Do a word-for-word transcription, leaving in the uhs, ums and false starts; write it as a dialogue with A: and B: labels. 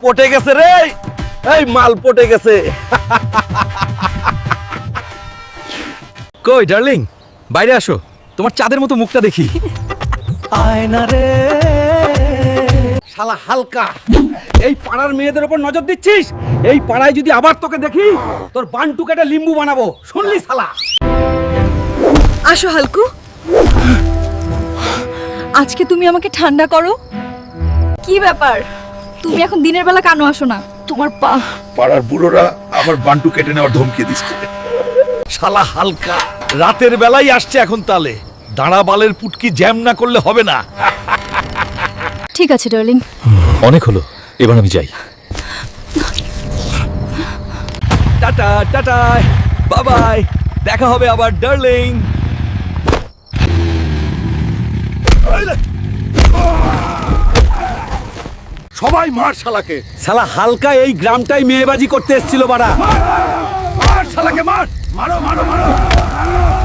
A: পটে গেছে রে, এই মাল পটে গেছে।
B: কই ডার্লিং, বাইরে আসো, তোমার চাঁদের মতো মুখটা দেখি।
A: আয়না রে শালা হালকা, এই পাড়ার মেয়েদের উপর নজর দিচ্ছিস? এই পাড়ায় যদি আবার তোকে দেখি, তোর বান্টু কেটে লিম্বু বানাবো, শুনলি শালা?
C: আসো হালকু, আজকে তুমি আমাকে ঠান্ডা করো। কি ব্যাপার, তুমি এখন দিনের বেলা কেন আসো না? তোমার পা
D: পাড়ার বুড়োরা আমার বান্টু কেটে নেওয়ার ধমকি দিচ্ছে।
A: শালা হালকা রাতের বেলায় আসছে এখন, তালে দাঁড়া বালের পুটকি জ্যাম না করলে হবে না।
C: ঠিক আছে ডার্লিং।
B: অনেক হলো, এবার আমি যাই।
A: টাটা টাটা, বাই বাই, দেখা হবে আবার ডার্লিং।
D: সবাই মার শালাকে,
A: শালা হালকা এই গ্রামটাই মেয়েবাজি করতে এসেছিল বাড়া।
D: মার শালাকে, মার, মারো মারো মারো।